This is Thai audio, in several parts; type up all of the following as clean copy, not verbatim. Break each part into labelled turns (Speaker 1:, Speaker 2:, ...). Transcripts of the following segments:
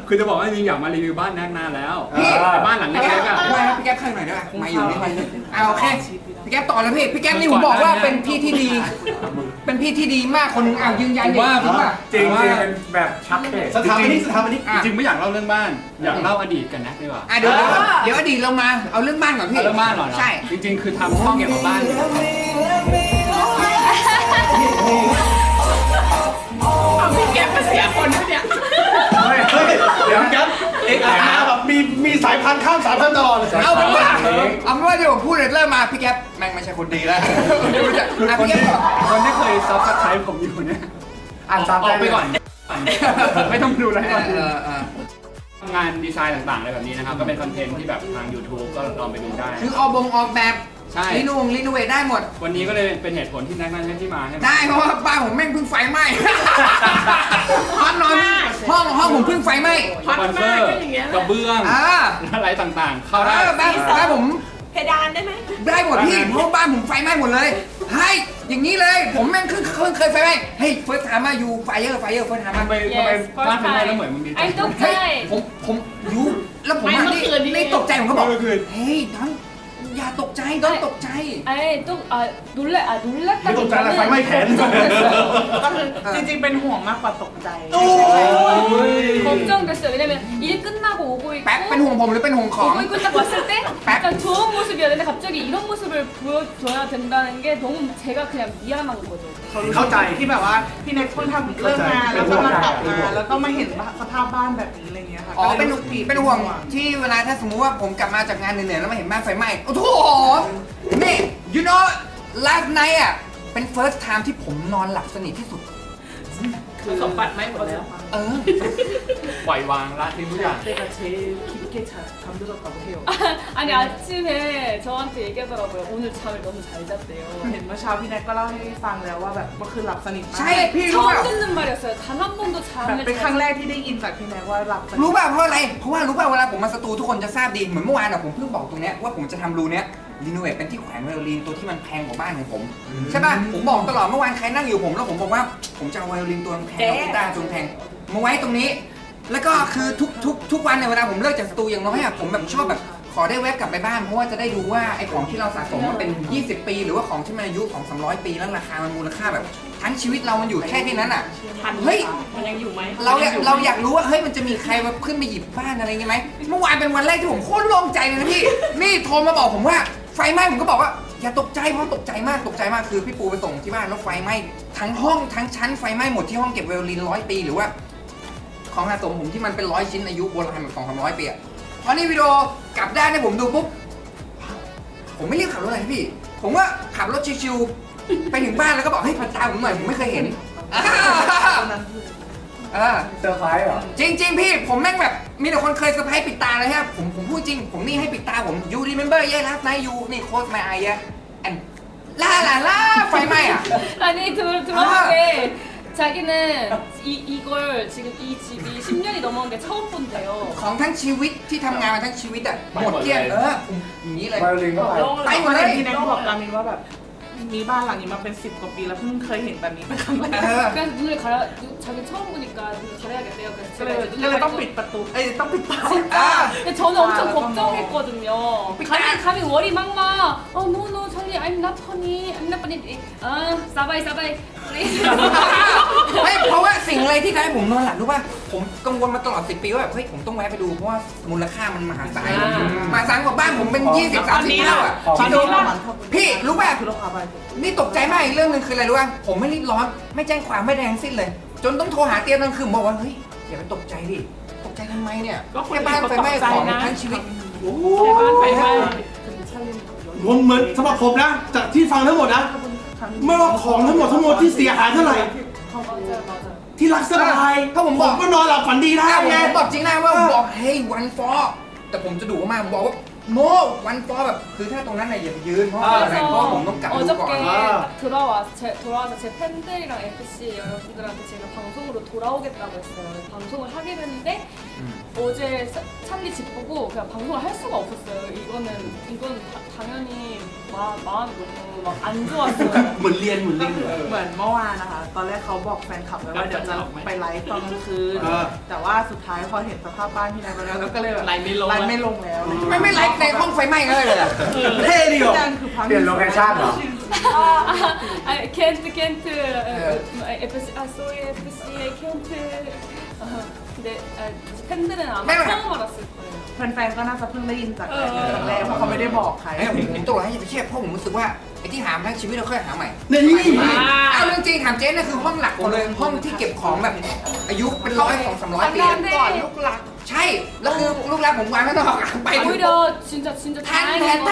Speaker 1: คือจะบอกว่าจริงๆอยากมารีวิวบ้านนานแล้วแต่บ้านหลังเล็กๆอ่ะ
Speaker 2: ไม่ครับพี่แก๊ปข้างหน่อยได้ไหมมาอยู่นี่โอเคพี่แก๊ปต่อเลยพี่แก๊ปนี่ผมบอกว่าเป็นพี่ที่ดี เป็นพี่ที่ดีมากคนหนึงยืนยันดิจริงป่ะ
Speaker 1: จริงๆเป็นแบบชัดเจน
Speaker 3: สถาปนิก
Speaker 1: จริงๆไม่อยากเล่าเรื่องบ้าน อยากเล่าอดีตกันนะดีกว่า
Speaker 2: เดี๋ยวอดีตเรามาเอาเรื่องบ้านก่อนพี่
Speaker 1: เรื่องบ้านเหรอ
Speaker 2: ใช่
Speaker 1: จริงๆคือทำห้องเกี่ยวกับบ้าน
Speaker 4: เอาพี่แก๊ปมาเสียคนด้วยเนี่ย
Speaker 3: เฮ้ยเดี๋ยวครับเอกอาร์แบบมีสายพันธุ์ข้ามสายพันธุ์ตลอด
Speaker 2: เอาเป็นว่าเดี๋ยวผมพูดเลยเริ่มมาพี่แก๊ปแม่งไม่ใช่คนดีแล้วพี่แก๊ปก่อน
Speaker 1: คนที่เคยซับสไครป์ผมอยู่เนี่ย
Speaker 3: อ่านตาม
Speaker 1: ออกไปก่อน ไม่ต้องดูอะไรก่อน
Speaker 2: เ
Speaker 1: งานดีไซน์ต่างๆอะไรแบบนี้นะครับ ก็เป็นคอนเทนต์ที่แบบทาง YouTube ก็ลองไปดูได้
Speaker 2: คือออกแบบ
Speaker 1: ใช่
Speaker 2: รีโนเวทได้หมด
Speaker 1: วันนี้ก็เลยเป็นเหตุผลที่นักนั่นที่มาใช่ไหม
Speaker 2: ได้เพราะว่าบ้านผมแม่งเพิ่งไฟไหม้ ห้องนอนห้องผมเพิ่งไฟไหม้
Speaker 1: สปอนเซอร์กระเบื้องอะไรต่างๆ เข้าได้
Speaker 2: บ้านผม
Speaker 4: เพดานได้ไหม
Speaker 2: ได้หมดพี่เพราะบ้านผมไฟไหม้หมดเลยให้อย่างนี้เลยผมแม่งเคยไฟไหม้เฮ้ยเฟิร์สไทม์มาอยู่ไฟเยอร์เฟิร์สไทม์มา
Speaker 1: ทำไมบ้านเป็นไงแล้วเหมือนมันมี
Speaker 5: ไอ้ตุ๊กใจ
Speaker 2: ผมอยู่แล้วผมนี่ตกใจผมก็บอกเฮ้ยน้องอย่าตกใจต้องตกใจ
Speaker 5: 아니 또 놀랐다
Speaker 3: ไม่ตกใจอะไรไฟไหม้แขน
Speaker 4: ก็คือจริงๆเป็นห่วงมากกว่าตกใจ
Speaker 5: 걱정됐어요 왜냐면 일 끝나고 오고
Speaker 2: แป๊บเป็นห่วงผมหรือเป็นห่วงของ
Speaker 5: 오고 있고 딱 왔을 때 약간 좋은 모습이었는데 갑자기 이런 모습을 보여줘야 된다는 게 너무 제가 그냥 미안한 거죠
Speaker 4: เข้าใจที่แบบว่าพี่เน็กเพิ่งทำเลิกงานแล้วก็มากลับมาแล้วก็มาเห็นสภาพบ้านแบบนี้อะไรเงี้ยค่ะ
Speaker 2: อ๋อเป็นห่วงที่เวลาถ้าสมมุติว่าผมกลับมาจากงานเหนื่อยๆแล้วมาเห็นบ้านไฟไหม้โอ้โหนี่ you know last night อ่ะเป็น first time ที่ผมนอนหลับสนิทที่สุด
Speaker 4: คือสมบัติไม่หมดแล้ว
Speaker 1: ปล่อยวางละทิ้งทุกอย่าง
Speaker 4: 제가 제일 깊게 잠들었다고 해요
Speaker 5: 아니 아침에 저한테 얘기하더라고요 오늘 잠을 너무 잘 잤대요
Speaker 4: เห็นเมื่อเช้าพี่แน็กก็เล่าให้ฟังแล้วว่าแบบเมื่อคืนหลับสนิทมาก
Speaker 2: ใช่พี่รู้
Speaker 5: 처음
Speaker 2: ป่ะ
Speaker 5: 듣는 말이었어요 단 한 번도
Speaker 4: แบบ
Speaker 5: 잠을
Speaker 4: เป็นครั้งแรกที่ได้ยินจากพี่แน็กว่าหลับสนิท
Speaker 2: รู้ป่ะเพราะอะไรเพราะว่ารู้ป่ะเวลาผมมาสตูทุกคนจะทราบดีเหมือนเมื่อวานอ่ะผมเพิ่งบอกตรงเนี้ยว่าผมจะทำรูเนี้ยรีโนเวทเป็นที่แขวนไวโอลินตัวที่มันแพงกว่าบ้านของผมใช่ป่ะผมบอกตลอดเมื่อวานใครนั่งอยู่ผมแล้วผมบอกว่าผมจะเอาไวโอลินตัวแพงกีตาร์ตัวแพงมาไว้ตรงนี้ แล้วก็คือทุกวันในเวลาผมเลิกจากสตูอย่างน้อยอ่ะผมแบบชอบแบบขอได้แวบกลับไปบ้านเพราะว่าจะได้ดูว่าไอ้ของที่เราสะสมมันเป็น 20 ปี หรือว่าของที่มันอายุของ300 ปีแล้วราคามันมูลค่าแบบ ทั้งชีวิตเรามันอยู่แค่ที่นั้นอ่ะเฮ้ย
Speaker 4: มันยังอยู่ไหม
Speaker 2: เราอยากรู้ว่าเฮ้ยมันจะมีใครมาขึ้นมาหยิบบ้านอะไรเงี้ยไหมเมื่อวานเป็นวันแรกที่ผมโคตรโล่งใจเลยนะพี่ นี่โทรมาบอกผมว่าไฟไหม้ผมก็บอกว่าอย่าตกใจเพราะตกใจมากคือพี่ปูไปส่งที่บ้านแล้วไฟไหม้ทั้งห้องทั้งชั้นไฟไหม้หมดที่ห้องเก็บไวโอลิน100 ปีหรือว่าของสะสมผมที่มันเป็น100 ชิ้นอายุโบราณแบบ200-300 ปีอะพอนี่วิดีโอกลับด้านให้ผมดูปุ๊บผมไม่รีบขับรถเลยพี่ผมว่าขับรถชิวๆไปถึงบ้านแล้วก็บอกเฮ้ยพันตาผมหน่อยผมไม่เคยเห็น
Speaker 3: เซอร์ไพรส์เหรอ
Speaker 2: จริงๆพี่ผมแม่งแบบมีแต่คนเคยเซอร์ไพรส์ปิดตาเลยฮะผมพูดจริงผมนี่ให้ปิดตาผม you remember yeah last night you นี่ close my eye yeah and ล่าไฟไหม้อ่ะ
Speaker 5: 아니 들어보게 자기는 이걸 지금 이 집이 10년이 넘었는데 처음 본대요
Speaker 2: ของทั้งชีวิตที่ทำงานมาทั้งชีวิตอ่ะหมดเกลี้ยงผมอย่างนี้เลย
Speaker 3: ไวโอลินก็ไป
Speaker 2: ไปหมดเลย
Speaker 4: พี่แน็กบอกกามินว่าแบบมีบ้านหลังนี้มาเป็น10 กว่าปีแล้วเพิ่งเคยเห็นแบบนี้เป็นครั้งแรก
Speaker 5: 그래서 눈을 가려 자기 처음 보니까 눈을 가려야겠대요
Speaker 4: ก็เลยต้องปิดประตูต้องปิดตา
Speaker 5: 근데 저는 엄청 걱정했거든요 감히 월이 막막 no no 찰리 I'm not funny I'm not funny 사바이
Speaker 2: ไม่เพราะว่าสิ่งอะไรที่ทำให้ผมนอนหลับรู้ป่ะผมกังวลมาตลอด10 ปีว่าแบบเฮ้ยผมต้องแวะไปดูเพราะว่ามูลค่ามันมหาศาลมหาศาลกว่าบ้านผมเป็น20-30 เท่าอ่ะคิดดูพี่รู้ป่ะนี่ตกใจมากอีกเรื่องนึงคืออะไรรู้ป่ะผมไม่รีบร้อนไม่แจ้งความไม่แดงสิ้นเลย จนต้องโทรหาเตียงกลางคืนบอกว่าเฮ้ยอย่าไปตกใจดิตกใจทำไมเนี่ยแค่บ้านไฟไหม้ของทั้งชีวิต
Speaker 4: บ้านไฟไหม้
Speaker 3: ผมเหมือนสำหรับผมนะจากที่ฟังทั้งหมดนะไม่ว่าของทั้งหมดที่เสียหายเท่าไหร่ที่รักสบาย
Speaker 2: ถ้าผมบอก
Speaker 3: ก็นอนหลับฝันดีได้
Speaker 2: ผม
Speaker 3: ไง
Speaker 2: บอกจริงนะว่าบอกเฮ้ยวันฟอแต่ผมจะดุมากบอกว่าโนวันฟอแบบคือถ้าตรงนั้นน่ะอย่าไปยืนเพราะอะไรเพราะผมต้องกลับดูก่อน
Speaker 5: 어저께 딱 돌아와서 제 팬들이랑 FC 여러분들한테 제가 방송으로 돌아오겠다고 했어요. 방송을 하기로 했는데 어제 찰리 집 보고 그냥 방송을 할 수가 없었어요. 이건 당연히 마음이 너무 막 안 좋았어요.
Speaker 3: เหมือนเรียนเหมือนเรียนเลย
Speaker 4: เหมือนเมื่อวานนะคะ ตอนแรกเขาบอกแฟนคลับไว้ว่าเดี๋ยวจะไปไลฟ์ตอนกลางคืน แต่ว่าสุดท้ายพอเห็นสภาพบ้านพี่นายไปแล้วก็เลยแบบไลฟ์ไม่ลงแล้ว
Speaker 2: ทำไมไม่ไลฟ์ในห้องไฟไหม้กันเลยอะ
Speaker 3: เท่ดีเหรอ
Speaker 4: นั่นคือพัง
Speaker 6: เปลี่ยนโลเคชั่นเหรอ
Speaker 5: can't FC sorry FC I can't 근데 팬들은 아마 처음 알았을 거예요.
Speaker 4: แฟนๆก็น่าจะเพิ่งได้ยินจากครั้งแรกเพราะเขาไม่ได้บอกใคร
Speaker 2: ไอ้ผมตัวให้อย่าไปเชื่อเพราะผมรู้สึกว่าไอ้ที่หามาทั้งชีวิตเราค่อยหาใหม่
Speaker 3: นี่
Speaker 2: เอาเรื่องจริงถามเจ๊นะคือห้องหลักผมเลยห้องที่เก็บของแบบอายุเป็น100 200-300 ปี
Speaker 4: ก่อนลูกหลัก
Speaker 2: ใช่แล้วคือลูกรักผมวางไม่ต้องออกไปถึง
Speaker 5: 오히려 진짜 다행인 건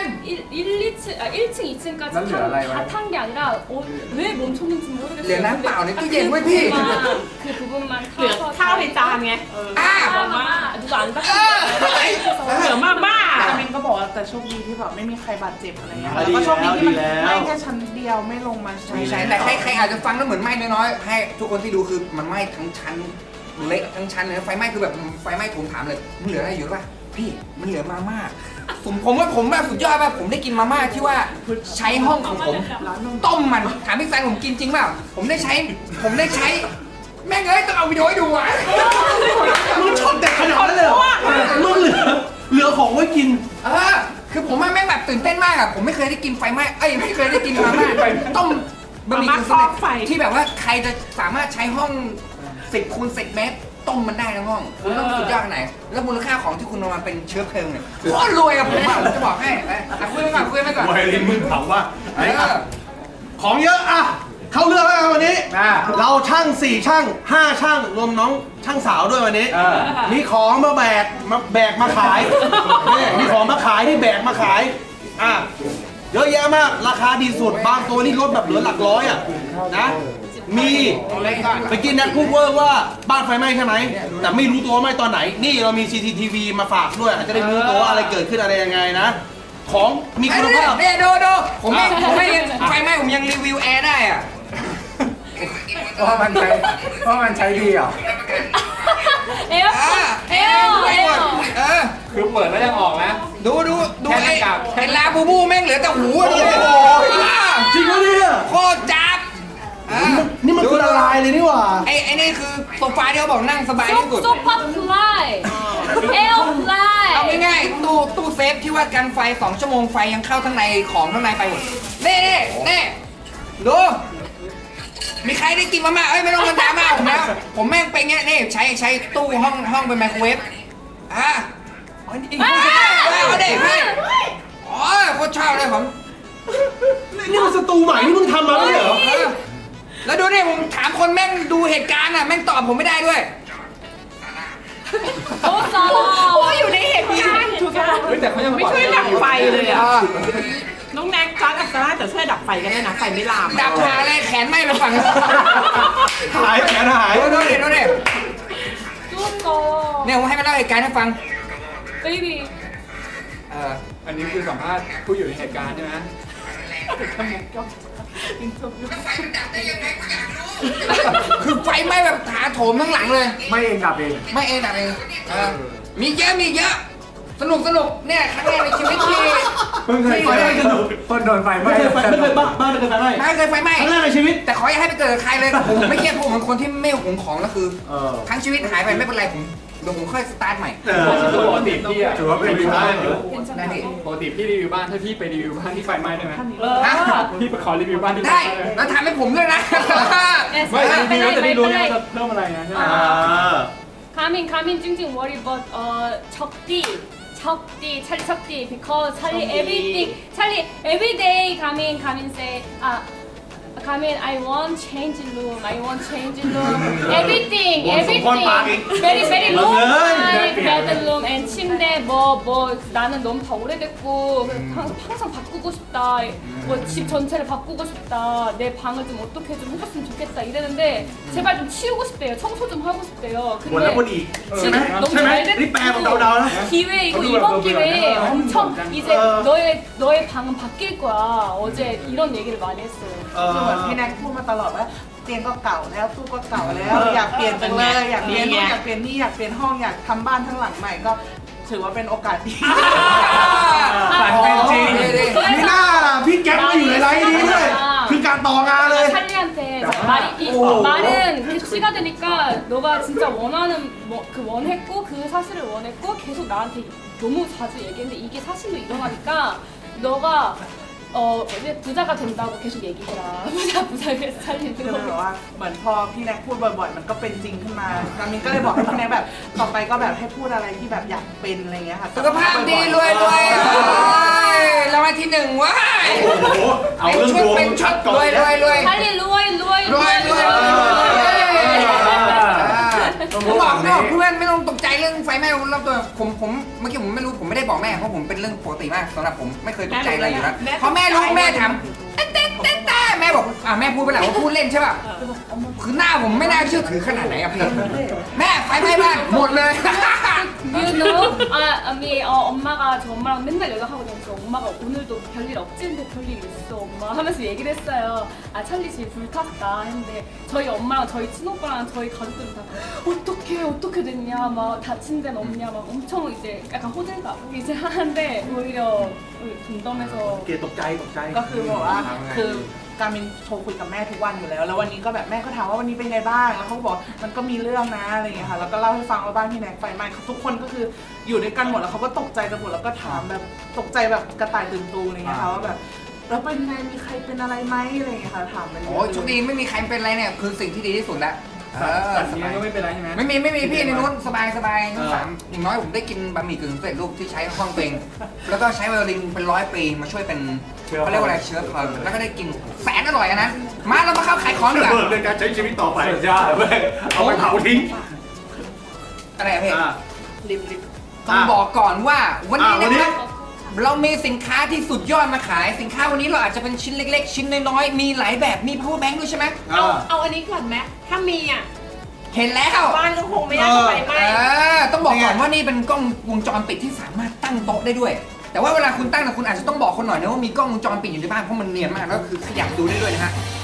Speaker 5: 1층, 2층까지
Speaker 6: 난 알아요.
Speaker 5: 다 탄 게 아니라 왜 멈췄는지 모르겠어요.
Speaker 2: 내가 난 봐, 내ตู้เย็นไว้พี่
Speaker 5: 그 부분만
Speaker 7: เหลือ
Speaker 5: 타서
Speaker 7: ข้าวในจานไง
Speaker 2: อ่า
Speaker 5: 누가 안
Speaker 2: เออ
Speaker 5: 닦았어요.
Speaker 7: เหลือมาบ้า
Speaker 4: แต่มินก็บอกว่าแต่โชคดีที่แบบไม่มีใครบาดเจ็บอะไรเงี้ยแล้วก็โชคดีที่มันไหม้แค่ชั้นเดียวไม่ลงมา
Speaker 2: ใช่ใช่แต่ใครอาจจะฟังแล้วเหมือนไหม้น้อยๆให้ทุกคนที่ดูคือมันไหม้ทั้งชั้นเละทั้งชั้นเลยนะไฟไหม้คือแบบไฟไหม้ผมถามเลยมันเหลืออะไรอยู่ป่ะพี่มันเหลือมาม่าผมว่าผมแบบสุดยอดป่ะผมได้กินมาม่าที่ว่าใช้ห้องของผมต้มมันถามพี่แฟนผมกินจริงเปล่าผมได้ใช้แม่งเอ้ยต้องเอาวิดีโอให้ดูอ่ะ
Speaker 3: มึงชอบแต่ขนาดนั้นเลยเหรอมึงเหลือของไว้กิน
Speaker 2: คือผมว่าแม่งแบบตื่นเต้นมากอ่ะผมไม่เคยได้กินไฟไหม้ไม่เคยได้กินมาม่าต้มบะหมี่กึ่งสำเร็จที่แบบว่าใครจะสามารถใช้ห้อง10 คูณ 10 เมตรต้มมันได้ทั้งห้องคุณต้องสุดยอดขนาดไหนแล้วมูลค่าของที่คุณเอามาเป็นเชื้อเพลิงเนี่ยโคตรรวยอะผมจะบอกให้คุยไปก่อน
Speaker 3: ไวลินมึงถามว่า
Speaker 2: เออ
Speaker 3: ของเยอะอะเข้าเรื่องแล้วกันวันนี้ เราช่าง4ช่าง5ช่างรวมน้องช่างสาวด้วยวันนี้ มีของมาแบกมาขายนี่มีของมาขายที่แบกมาขายอ่ะเยอะแยะมากราคาดีสุดบางตัวนี่ลดแบบเหลือหลักร้อยอ่ะนะมีไปกินนัดพูดเวอร์ว่าบ้านไฟไหม้ใช่ไหมแต่ไม่รู้ตัวว่าไหม้ตอนไหนนี่เรามี CCTV มาฝากด้วยอาจจะได้รู้ตัวว่าอะไรเกิดขึ้นอะไรยังไงนะของมีคุณภาพ
Speaker 2: เนี่ยดูผมไม่ไฟไหม้ผมยังรีวิวแอร์ได้อ่ะ
Speaker 6: เพราะมันใช้ดีเหรอ
Speaker 5: 에어.
Speaker 1: คือเปิดแล้วยังออกนะ
Speaker 2: ดู
Speaker 1: แค่หน้ากาก
Speaker 2: ไอ้ลาบูบูแม่งเหลือแต่หูดูดิ
Speaker 3: จริงปะเนี่ย
Speaker 2: โคตรจับ
Speaker 3: นี่มันคือละลายเลยนี่หว่า
Speaker 2: ไอ้นี่คือโซฟาที่เขาบอกนั่งสบายที่สุด
Speaker 5: 소파 플라이. 에어 플라이.
Speaker 2: เอาง่ายๆตู้เซฟที่ว่ากันไฟ2 ชั่วโมงไฟยังเข้าข้างในของข้างในไปหมดนี่ดูมีใครได้กินมาม่าไม่ต้องมาดราม่าผมนะผมแม่งเป็นเงี้ยนี่ใช้ตู้ห้องเป็นไมโครเวฟอีกเอาเด็กให้โคตรชอบเลยผม
Speaker 3: นี่มันสตูใหม่ที่มึงทำมาไม่ใช่เหรอ
Speaker 2: แล้วดูดิผมถามคนแม่งดูเหตุการณ์อ่ะแม่งตอบผมไม่ได้ด้วย
Speaker 5: 너무 싸.
Speaker 7: อยู่ในเหตุการณ์
Speaker 1: เฮ้ยแต่เขายัง
Speaker 7: ไม่ช่วยดับไฟเลยอ่ะ น้องแน็กจอร์ดอัศราแต่ช่วยดับไฟกันได้นะ ไฟไม่ลาม
Speaker 2: ดับขาเลยแขนไหม้ไปฝั่งนึง
Speaker 3: หายแขนหาย
Speaker 2: ดูดิ
Speaker 5: 쏘.
Speaker 2: เนี่ยผมให้มาเล่าเหตุการณ์ให้ฟัง
Speaker 5: 베이비.
Speaker 1: อันนี้คือสัมภาษณ์ผู้อยู่ในเหตุการณ์ใช่ไหม
Speaker 2: คือไฟไหม้แบบถาโถมทั้งหลังเลย
Speaker 6: ไม่เองดับเอง
Speaker 2: ไม่เองดับเองมีเยอะสนุกเนี่ยครั้งแรกในชีวิตที่
Speaker 6: เพิ่งเคยโดนไฟไหม้
Speaker 3: ไม่เคยบ้านไม่เคยไฟไหม้
Speaker 2: ไม่เคยไฟไหม้
Speaker 3: ครั้งแรกในชีวิต
Speaker 2: แต่ขออย่าให้ไปเกิดกับใครเลยผมไม่เครียดผมเป็นคนที่ไม่หวงของแล้วคือทั้งชีวิตหายไปไม่เป็นไรผมเดี๋ยวผมค่อยสตาร์ทใหม่
Speaker 1: ปกติพี่อะ
Speaker 6: ถือว่าเป็นวิวบ้าน
Speaker 2: ได้ดิ
Speaker 1: ปกติพี่รีวิวบ้านถ้าพี่ไปรีวิวบ้านที่ไฟไหม้ได้ไหม
Speaker 2: ฮะ
Speaker 1: พี่ไปขอรีวิวบ้านที่ไฟ
Speaker 2: ได้
Speaker 1: ไหม้ได้ไหม
Speaker 2: แล้วทำให้ผมด้วยนะ
Speaker 1: ไม่รีวิวแล้วจะได้รู้ไงว่าจะเริ่มอะไรไงใช่ไหม
Speaker 5: 가민 찡찡 worry but 척디 찰리 척디 because 찰리 everyday 가민 say 가민 I want change room everything very long time bedroom and 침대 뭐 나는 너무 다 오래됐고 항상 바꾸고 싶다 뭐 집 전체를 바꾸고 싶다 내 방을 좀 어떻게 좀 해줬으면 좋겠다 이랬는데 제발 좀 치우고 싶대요 청소 좀 하고 싶대요
Speaker 3: วนแล้ววนอีก
Speaker 5: 지금 너무
Speaker 3: ใช่ไหม
Speaker 5: 잘
Speaker 3: นี่แปลแบบ
Speaker 5: 됐고
Speaker 3: เดาๆนะ
Speaker 5: 기회 이거 이번 기회에 엄청 이제 너의 방은 바뀔 거야 어제 이런 얘기를 많이 했어요
Speaker 4: คือเหมือนพี่แน็กพูดมาตลอดว่าเตียงก็เก่าแล้วตู้ก็เก่าแล้วอยากเปลี่ยนจังเลยอยากเปลี่ยนนู่นอยากเปลี่ยนนี่อยากเปลี่ยนห้องอยากทำบ้านทั้งหลังใหม่ก็ถือว่าเป็นโอกาสดี
Speaker 6: ฝันเป็นจริง
Speaker 3: นี่น่าล่ะพี่แก๊ปมาอยู่ในไลฟ์นี้ด้วยคือการต่องานเลย
Speaker 5: 찰리한테 말은 계속 씨가 되니까 너가 진짜 원하는 그 원했고 그 사실을 원했고 계속 나한테 너무 자주 얘기했는데 이게 사실로 일어나니까 너가 이제 부자가 된다고 계속 얘기해라. 부자 그래서
Speaker 4: ก็
Speaker 5: 찰리도
Speaker 4: เลยแบบว่าเหมือนพอพี่แน็กพูดบ่อยๆ มันก็เป็นจริงขึ้นมาการมินก็เลยบอกให้พี่แน็กแบบต่อไปก็แบบให้พูดอะไรที่แบบอยากเป็นอะไรเงี้ยค่ะ
Speaker 2: สุขภาพดีรวยรวยรางวัลที่หนึ่งว้าย
Speaker 3: เอาเรื่องดวง
Speaker 2: เป็นชุดรวยรวยรวย
Speaker 5: 찰리 루어이 루어이
Speaker 2: รวยรวยผมบอกนะเพื่อนไม่ต้องตกใจเรื่องไฟไหม้รอบตัวผมเมื่อกี้ผมไม่รู้ผมไม่ได้บอกแม่เพราะผมเป็นเรื่องปกติมากสำหรับผมไม่เคยตกใจอะไรอยู่แล้วพอแม่รู้แม่ถามเต้แม่บอกแม่พูดไปแล้วว่าพูดเล่นใช่ป่ะคือหน้าผมไม่น่าเชื่อถือขนาดไหนอะพี่แม่ไฟไหม้บ้านหมดเลย
Speaker 5: You know? 엄마가 저 엄마랑 맨날 연락하고 다니까 엄마가 오늘도 별일 없지? 근데 별일 있어 엄마 하면서 얘기를 했어요. 아 찰리 집 불탔다 했는데 저희 엄마랑 저희 친오빠랑 저희 가족들은 다 어떻게 됐냐 막 다친 데는 없냐 막 엄청 이제 약간 호들갑 이제 하는데 오히려 덤덤해서
Speaker 3: เกตตกใจ
Speaker 4: ก็คือบอกว่าคือการมินโทรคุยกับแม่ทุกวันอยู่แล้วแล้ววันนี้ก็แบบแม่ก็ถามว่าวันนี้เป็นไงบ้างแล้วเขาก็บอกมันก็มีเรื่องนะอะไรอย่างเงี้ยค่ะแล้วก็เล่าให้ฟังว่าบ้านพี่แน็กไฟไหม้ทุกคนก็คืออยู่ด้วยกันหมดแล้วเขาก็ตกใจกันหมดแล้วก็ถามแบบตกใจแบบกระต่ายตื่นตูมอะไรอย่างเงี้ยค่ะว่าแบบแล้วเป็นไงมีใครเป็นอะไรไหมอะไรอย่างเงี้ยค่ะถามไปเรื่
Speaker 2: โอ้ยโชคดีไม่มีใครเป็นอะไรเนี่ยคือสิ่งที่ดีที่สุดแล้ว
Speaker 1: สัตว์เลี้ยงก็ไม่เป็นไรใช่ไหม
Speaker 2: ไม่มีพี่ในนู้นสบายทั้งสามอย่างน้อยผมได้กินบะหมี่กึ่งสำเร็จรูปที่ใช้ห้องเต็งแล้วก็ใช้ไวโอลินเป็น100 ปีมาช่วยเป็นเขาเรียกว่าอะไรเชื้อเพลิงแล้วก็ได้กินแสนอร่อยอันนั้นมาเรามาเข้าขายของดีกว่า
Speaker 3: เบิกในการใช้ชีวิตต่อไปสุดยอดเอาไปเผาทิ้ง
Speaker 2: อะไรอะพี่
Speaker 4: ลิบ
Speaker 2: ต้องบอกก่อนว่าวันนี้
Speaker 3: วัน
Speaker 2: นะ
Speaker 3: นี้
Speaker 2: ครับเรามีสินค้าที่สุดยอดมาขายสินค้าวันนี้เราอาจจะเป็นชิ้นเล็กๆ ชิ้นน้อยๆมีหลายแบบมี power bank ด้วยใช่ไหม
Speaker 7: เอาอันนี้ก่อนไหมถ้ามีอ่ะ
Speaker 2: เห็นแล้ว
Speaker 7: บ้านก็คงไม่น่าจะไฟไหม้
Speaker 2: ต้องบอกก่อนว่านี่เป็นกล้องวงจรปิดที่สามารถตั้งโต๊ะได้ด้วย แต่ว่าเวลาคุณตั้งนะคุณอาจจะต้องบอกคนหน่อยนะว่ามีกล้องวงจรปิดอยู่ในบ้านเพราะมันเนียนมากแล้วคือขยับดูได้ด้วยนะฮะ